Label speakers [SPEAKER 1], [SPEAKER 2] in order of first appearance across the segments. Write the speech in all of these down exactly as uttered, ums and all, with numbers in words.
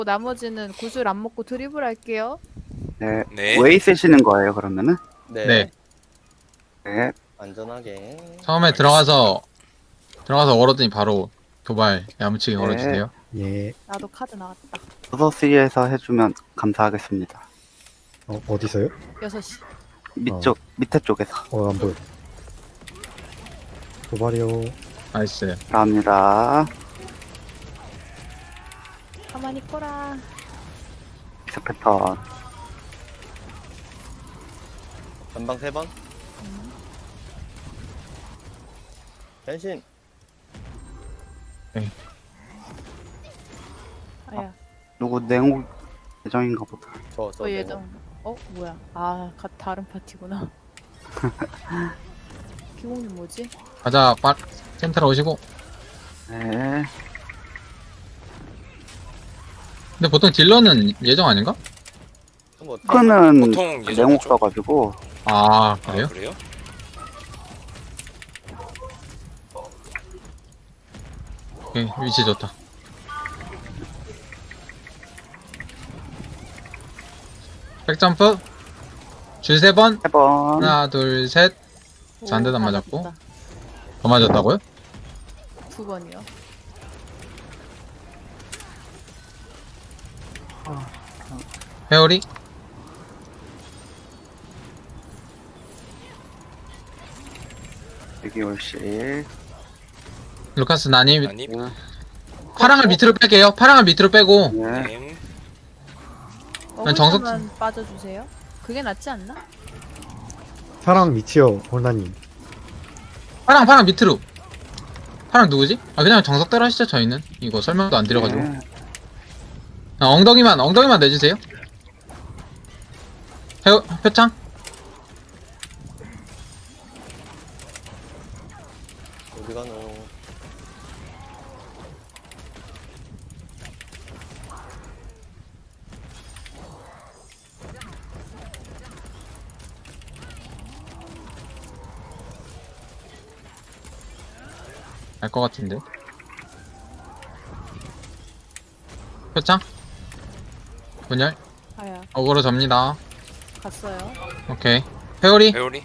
[SPEAKER 1] 나머지는 구슬 안 먹고 드리블 할게요.
[SPEAKER 2] 네.
[SPEAKER 3] 네.
[SPEAKER 2] 웨이 쓰시는 거예요, 그러면은?
[SPEAKER 4] 네.
[SPEAKER 5] 네.
[SPEAKER 2] 네.
[SPEAKER 4] 안전하게.
[SPEAKER 5] 처음에 들어가서 들어가서 얼었더니 바로 도발 야무치게
[SPEAKER 2] 네.
[SPEAKER 5] 걸어주세요.
[SPEAKER 6] 예.
[SPEAKER 1] 나도 카드 나왔다.
[SPEAKER 2] 여섯 시에서 해주면 감사하겠습니다.
[SPEAKER 6] 어, 어디서요?
[SPEAKER 1] 여섯 시.
[SPEAKER 2] 밑쪽, 밑에 쪽에서.
[SPEAKER 6] 어, 안 보여. 도발이요.
[SPEAKER 5] 나이스.
[SPEAKER 2] 감사합니다.
[SPEAKER 1] 가만히 있거라.
[SPEAKER 2] 믹스 패턴.
[SPEAKER 4] 전방 세 번. 변신.
[SPEAKER 1] 아야.
[SPEAKER 2] 누구 냉옥 예정인가 보다.
[SPEAKER 4] 저, 저.
[SPEAKER 1] 어 예정. 어 뭐야? 아 가, 다른 파티구나. 기공님 뭐지?
[SPEAKER 5] 가자. 빠 센터로 오시고.
[SPEAKER 2] 네.
[SPEAKER 5] 근데 보통 딜러는 예정 아닌가?
[SPEAKER 4] 뭐,
[SPEAKER 2] 크는
[SPEAKER 3] 보통 예정이죠.
[SPEAKER 2] 냉옥 써가지고.
[SPEAKER 5] 아
[SPEAKER 3] 아,
[SPEAKER 5] 그래요?
[SPEAKER 3] 그래요?
[SPEAKER 5] 오케이, 위치 좋다. 백점프 줄 세 번.
[SPEAKER 2] 세 번.
[SPEAKER 5] 하나 둘 셋. 저 한 대도 안 맞았고. 더 맞았다고요?
[SPEAKER 1] 두 번이요.
[SPEAKER 5] 회오리.
[SPEAKER 2] 여기 올시.
[SPEAKER 5] 루카스 나님.
[SPEAKER 3] 아니,
[SPEAKER 2] 네.
[SPEAKER 5] 파랑을 밑으로 뺄게요. 파랑을 밑으로 빼고.
[SPEAKER 2] 네.
[SPEAKER 3] 님.
[SPEAKER 5] 난 정석-
[SPEAKER 1] 어글자만 빠져주세요. 그게 낫지 않나?
[SPEAKER 6] 사랑 미치요, 홀나님.
[SPEAKER 5] 파랑 파랑 밑으로. 파랑 누구지? 아 그냥 정석대로 하시죠. 저희는 이거 설명도 안 드려가지고.
[SPEAKER 2] 네.
[SPEAKER 5] 아, 엉덩이만 엉덩이만 내주세요. 표, 표창.
[SPEAKER 4] 어디 가노?
[SPEAKER 5] 알 것 같은데. 표창. 분열.
[SPEAKER 1] 아야
[SPEAKER 5] 어그로 접니다.
[SPEAKER 1] 갔어요.
[SPEAKER 5] 오케이. 회오리.
[SPEAKER 3] 회오리.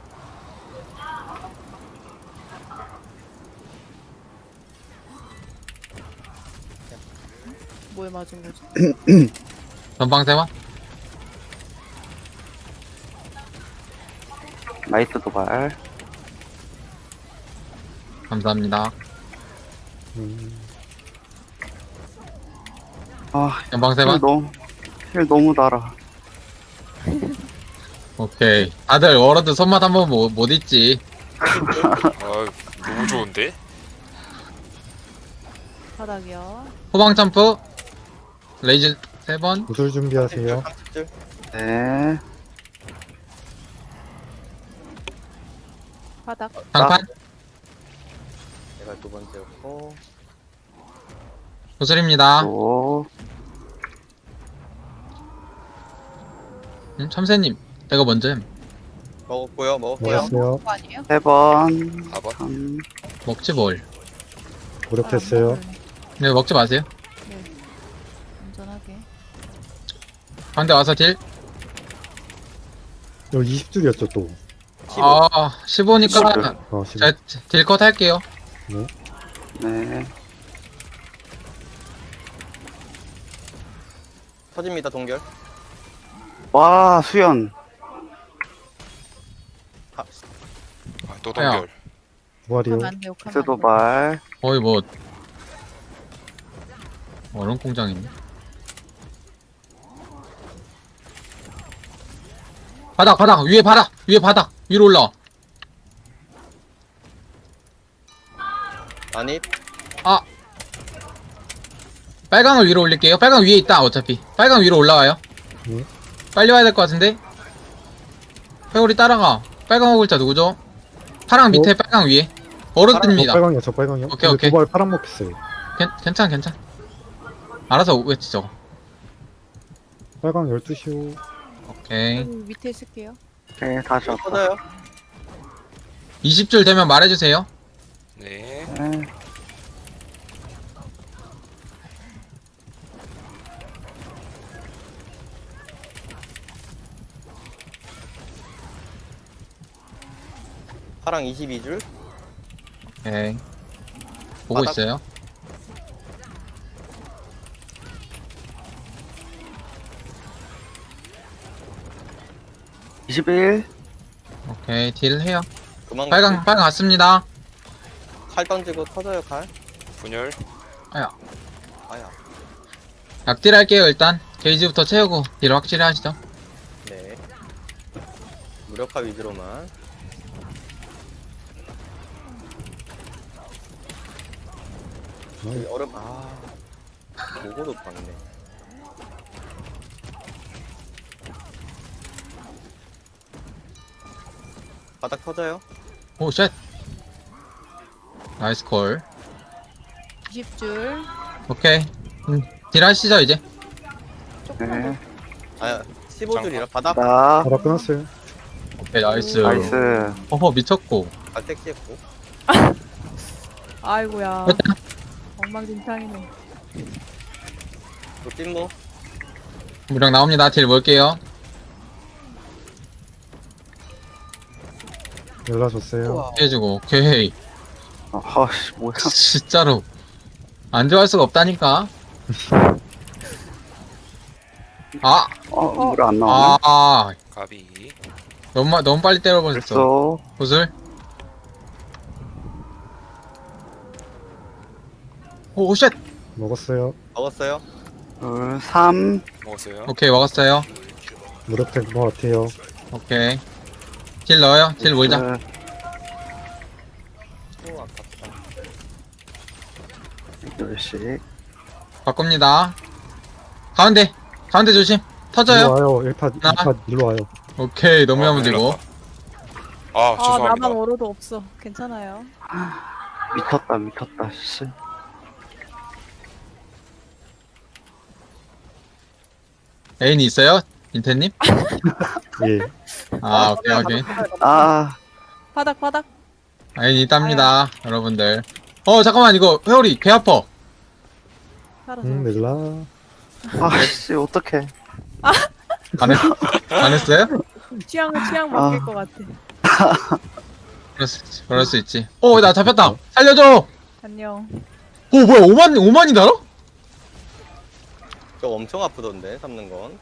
[SPEAKER 1] 뭐에 맞은 거지?
[SPEAKER 5] 전방 세번.
[SPEAKER 2] 나이스 도발.
[SPEAKER 5] 감사합니다.
[SPEAKER 6] 음,
[SPEAKER 2] 아,
[SPEAKER 5] 전방
[SPEAKER 2] 힐
[SPEAKER 5] 세번.
[SPEAKER 2] 너무, 힐 너무 달아.
[SPEAKER 5] 오케이. 다들 워러드 손맛 한번 못, 못 잊지.
[SPEAKER 3] 아, 너무 좋은데?
[SPEAKER 1] 바닥이요.
[SPEAKER 5] 후방 점프. 레이즈 세번.
[SPEAKER 6] 구슬 준비하세요.
[SPEAKER 4] 깜찍줄.
[SPEAKER 2] 네.
[SPEAKER 1] 바닥.
[SPEAKER 5] 장판.
[SPEAKER 4] 내가 두 번째였고.
[SPEAKER 5] 구슬입니다.
[SPEAKER 2] 또,
[SPEAKER 5] 음, 참새님. 내가 먼저 햄.
[SPEAKER 4] 먹었고요, 먹었고요.
[SPEAKER 6] 먹었어요.
[SPEAKER 1] 그거 아니에요?
[SPEAKER 2] 세 번.
[SPEAKER 3] 사 번.
[SPEAKER 2] 삼.
[SPEAKER 5] 먹지 뭘.
[SPEAKER 6] 노력했어요.
[SPEAKER 1] 아,
[SPEAKER 5] 네, 먹지 마세요.
[SPEAKER 1] 네. 안전하게.
[SPEAKER 5] 가운데 와서 딜.
[SPEAKER 6] 여기 이십 줄이었죠, 또.
[SPEAKER 4] 십오.
[SPEAKER 5] 아, 십오니까
[SPEAKER 6] 어, 십오.
[SPEAKER 5] 제가 딜컷 할게요.
[SPEAKER 2] 네.
[SPEAKER 4] 터집니다, 동결.
[SPEAKER 2] 와, 수연.
[SPEAKER 4] 아,
[SPEAKER 3] 아, 또 동결.
[SPEAKER 6] 도발이요.
[SPEAKER 1] 하면 안 돼요.
[SPEAKER 2] 믹스
[SPEAKER 1] 하면 안 돼요.
[SPEAKER 2] 도발.
[SPEAKER 5] 거의 뭐 얼음 공장 있네. 바닥 바닥 위에 바닥 위에 바닥 위로 올라와.
[SPEAKER 4] 아니,
[SPEAKER 5] 아 빨강을 위로 올릴게요. 빨강 위에 있다. 어차피 빨강 위로 올라와요.
[SPEAKER 6] 네.
[SPEAKER 5] 빨리 와야 될 것 같은데. 회오리 따라가. 빨강 어글자 누구죠? 파랑 밑에 빨강 위에
[SPEAKER 6] 저
[SPEAKER 5] 얼어듭니다.
[SPEAKER 6] 빨강이요, 저 빨강이요.
[SPEAKER 5] 오케이,
[SPEAKER 6] 근데
[SPEAKER 5] 오케이.
[SPEAKER 6] 도발 파랑 먹혔어요.
[SPEAKER 5] 괜, 괜찮 괜찮. 알아서 외치 저거.
[SPEAKER 6] 빨강 열두 시요.
[SPEAKER 5] 오케이.
[SPEAKER 1] 여기 밑에 있을게요.
[SPEAKER 2] 네, 다시 왔다.
[SPEAKER 4] 터져요.
[SPEAKER 5] 이십 줄 되면 말해주세요.
[SPEAKER 3] 네.
[SPEAKER 2] 네.
[SPEAKER 4] 파랑 이십이 줄.
[SPEAKER 5] 오케이. 보고
[SPEAKER 4] 바닥.
[SPEAKER 5] 있어요.
[SPEAKER 2] 이십일.
[SPEAKER 5] 오케이, 딜 해요.
[SPEAKER 4] 그만.
[SPEAKER 5] 빨강, 빨강 갔습니다.
[SPEAKER 4] 칼 던지고 터져요 칼.
[SPEAKER 3] 분열.
[SPEAKER 5] 아야.
[SPEAKER 4] 아야.
[SPEAKER 5] 약딜 할게요, 일단. 게이지부터 채우고, 딜 확실히 하시죠.
[SPEAKER 4] 네. 무력화 위주로만. 여기 얼음 아. 보고도 박네. 바닥 터져요.
[SPEAKER 5] 오, 쉣. 나이스 콜.
[SPEAKER 1] 이십 줄.
[SPEAKER 5] 오케이. 음, 딜 하시죠, 이제.
[SPEAKER 1] 조금만
[SPEAKER 2] 네.
[SPEAKER 4] 아 십오 줄이라 바닥
[SPEAKER 2] 나.
[SPEAKER 6] 바닥 끊었어요.
[SPEAKER 5] 오케이, 나이스.
[SPEAKER 2] 나이스.
[SPEAKER 5] 어허, 미쳤고.
[SPEAKER 4] 갈색시했고.
[SPEAKER 1] 더. 아이고야. 엉망진창이네.
[SPEAKER 4] 또 찐모.
[SPEAKER 5] 무력 나옵니다. 딜 볼게요.
[SPEAKER 6] 연락 줬어요.
[SPEAKER 4] 우와.
[SPEAKER 5] 해주고, 오케이.
[SPEAKER 2] 어, 허씨, 뭐야.
[SPEAKER 5] 진짜로. 안 좋아할 수가 없다니까. 아,
[SPEAKER 2] 어, 물 안 나오네.
[SPEAKER 5] 아,
[SPEAKER 3] 가비.
[SPEAKER 5] 너무, 마- 너무 빨리 때려버렸어.
[SPEAKER 2] 됐어.
[SPEAKER 5] 구슬. 오, 쉣.
[SPEAKER 6] 먹었어요.
[SPEAKER 4] 먹었어요.
[SPEAKER 2] 둘, 삼.
[SPEAKER 3] 먹었어요.
[SPEAKER 5] 오케이, 먹었어요.
[SPEAKER 6] 무력 될 것 같아요.
[SPEAKER 5] 오케이. 딜 넣어요. 딜 몰자.
[SPEAKER 2] 네.
[SPEAKER 4] 오 아깝다.
[SPEAKER 2] 열씩.
[SPEAKER 5] 바꿉니다. 가운데. 가운데 조심.
[SPEAKER 6] 일로
[SPEAKER 5] 터져요.
[SPEAKER 6] 와요. 일 파, 이
[SPEAKER 5] 하나.
[SPEAKER 6] 파 일로 와요.
[SPEAKER 5] 오케이. 너무
[SPEAKER 3] 아,
[SPEAKER 5] 야무지고.
[SPEAKER 3] 큰일 아,
[SPEAKER 1] 아,
[SPEAKER 3] 죄송합니다.
[SPEAKER 1] 나만 얼어도 없어. 괜찮아요.
[SPEAKER 2] 미쳤다, 미쳤다, 씨.
[SPEAKER 5] 애인이 있어요? 인태님?
[SPEAKER 6] 예.
[SPEAKER 5] 아, 오케이, 오케이.
[SPEAKER 2] 아,
[SPEAKER 1] 바닥, 바닥.
[SPEAKER 5] 애인이 있답니다. 여러분들. 어, 잠깐만. 이거 회오리 개 아파.
[SPEAKER 1] 살아서.
[SPEAKER 6] 응, 넬라.
[SPEAKER 2] 아, 씨, 어떡해.
[SPEAKER 5] 안, 했, 안 했어요?
[SPEAKER 1] 취향, 취향
[SPEAKER 2] 아.
[SPEAKER 1] 바뀔 것 같아.
[SPEAKER 5] 그럴 수, 그럴 수 있지. 오, 나 잡혔다. 살려줘!
[SPEAKER 1] 안녕.
[SPEAKER 5] 오, 뭐야. 오만, 오만이 달아?
[SPEAKER 4] 저 엄청 아프던데 잡는 건.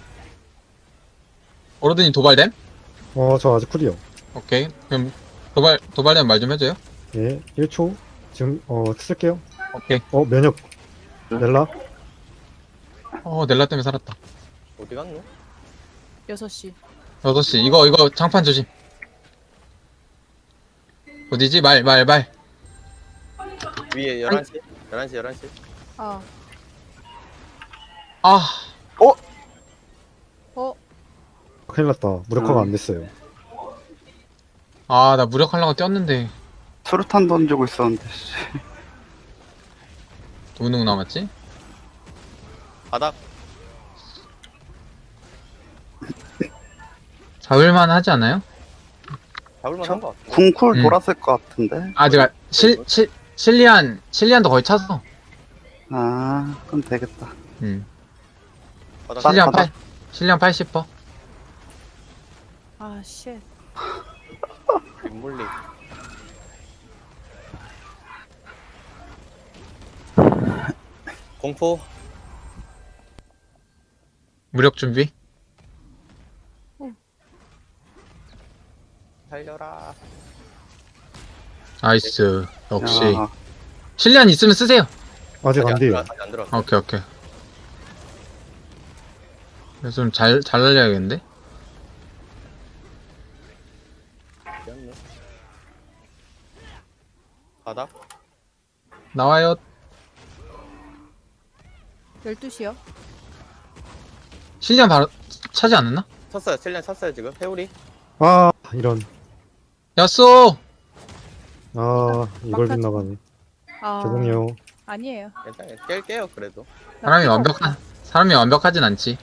[SPEAKER 5] 어로드님 도발됨?
[SPEAKER 6] 어, 저 아직 쿨이요.
[SPEAKER 5] 오케이. 그럼 도발, 도발되면 말 좀 해줘요.
[SPEAKER 6] 예. 일 초. 지금, 어, 쓸게요.
[SPEAKER 5] 오케이.
[SPEAKER 6] 어, 면역. 넬라.
[SPEAKER 5] 어, 넬라 때문에 살았다.
[SPEAKER 4] 어디 갔노?
[SPEAKER 1] 여섯 시.
[SPEAKER 5] 여섯 시. 이거, 이거 장판 조심. 어디지? 말, 말, 말.
[SPEAKER 4] 위에 열한 시. 열한 시 열한 시.
[SPEAKER 1] 아,
[SPEAKER 5] 아,
[SPEAKER 1] 어,
[SPEAKER 6] 큰일 났다. 무력화가
[SPEAKER 2] 음.
[SPEAKER 6] 안 됐어요.
[SPEAKER 5] 아, 나 무력하려고 뛰었는데.
[SPEAKER 2] 수류탄 던지고 있었는데, 씨.
[SPEAKER 5] 누구 남았지?
[SPEAKER 4] 바닥.
[SPEAKER 5] 잡을만 하지 않아요?
[SPEAKER 4] 잡을만 한 거 같아.
[SPEAKER 2] 궁쿨
[SPEAKER 5] 음.
[SPEAKER 2] 돌았을 것 같은데.
[SPEAKER 5] 아, 제가 실, 실, 실리안, 실리안도 거의 차서.
[SPEAKER 2] 아, 그럼 되겠다.
[SPEAKER 5] 음.
[SPEAKER 4] 바닥.
[SPEAKER 5] 실리안
[SPEAKER 2] 바닥.
[SPEAKER 5] 팔, 실리안 팔십 퍼.
[SPEAKER 1] 아, 쉣.
[SPEAKER 4] 윗물리. 공포.
[SPEAKER 5] 무력 준비.
[SPEAKER 4] 살려라.
[SPEAKER 5] 나이스. 역시.
[SPEAKER 2] 야,
[SPEAKER 5] 실리안 있으면 쓰세요.
[SPEAKER 6] 아직 안 돼요.
[SPEAKER 4] 들어왔어, 아직 안 들어왔어.
[SPEAKER 5] 오케이, 오케이. 그래서 좀 잘, 잘 날려야겠는데?
[SPEAKER 4] 미안해. 바닥.
[SPEAKER 5] 나와요.
[SPEAKER 1] 열두 시요.
[SPEAKER 5] 실리안 바로 차지 않았나?
[SPEAKER 4] 쳤어요. 셀리안 쳤어요 지금. 회오리.
[SPEAKER 6] 아, 이런.
[SPEAKER 5] 야쏘!
[SPEAKER 6] 아, 이걸
[SPEAKER 1] 막타지.
[SPEAKER 6] 빗나가네.
[SPEAKER 1] 아,
[SPEAKER 6] 죄송해요.
[SPEAKER 1] 아니에요.
[SPEAKER 4] 괜찮아요. 깰게요 그래도.
[SPEAKER 1] 나
[SPEAKER 5] 사람이
[SPEAKER 1] 피가
[SPEAKER 5] 완벽한, 사람이 완벽하진 않지.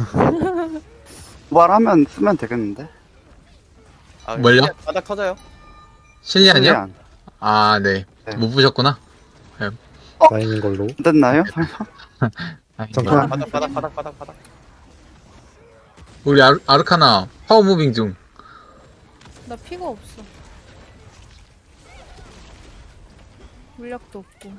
[SPEAKER 2] 말하면 쓰면 되겠는데.
[SPEAKER 4] 아,
[SPEAKER 5] 뭘요?
[SPEAKER 4] 셀리안 바닥 터져요.
[SPEAKER 5] 실리안이요?
[SPEAKER 2] 실리안.
[SPEAKER 5] 아, 네.
[SPEAKER 2] 네.
[SPEAKER 5] 못 보셨구나.
[SPEAKER 6] 다행인 걸로.
[SPEAKER 2] 안 됐나요?
[SPEAKER 5] 다행이다.
[SPEAKER 6] 잠깐.
[SPEAKER 4] 바닥 바닥 바닥 바닥 바닥.
[SPEAKER 5] 우리 아르, 아르카나 파워 무빙 중.
[SPEAKER 1] 나 피가 없어. 물약도 없고.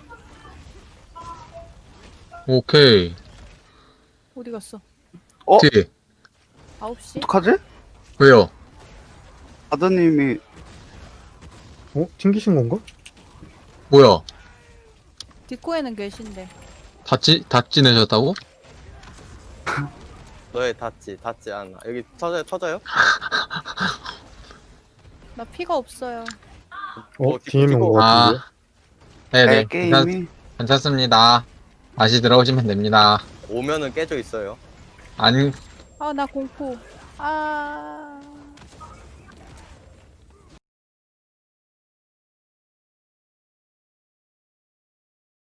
[SPEAKER 5] 오케이.
[SPEAKER 1] 어디 갔어?
[SPEAKER 2] 어?
[SPEAKER 5] 뒤에.
[SPEAKER 1] 아홉 시?
[SPEAKER 2] 어떡하지?
[SPEAKER 5] 왜요?
[SPEAKER 2] 아드님이
[SPEAKER 6] 어? 튕기신 건가?
[SPEAKER 5] 뭐야?
[SPEAKER 1] 디코에는 계신데.
[SPEAKER 5] 다 찌, 다 찌내셨다고?
[SPEAKER 4] 너의 닿지 닿지 않아. 여기 터져요 터져요?
[SPEAKER 1] 나 피가 없어요.
[SPEAKER 6] 어?
[SPEAKER 4] 어,
[SPEAKER 6] 뒤에 있는
[SPEAKER 4] 디코.
[SPEAKER 6] 거 같은데?
[SPEAKER 5] 아. 네네.
[SPEAKER 2] 내
[SPEAKER 5] 괜찮,
[SPEAKER 2] 게임이
[SPEAKER 5] 괜찮습니다. 다시 들어오시면 됩니다.
[SPEAKER 4] 오면은 깨져 있어요.
[SPEAKER 5] 안,
[SPEAKER 1] 아, 나 공포. 아.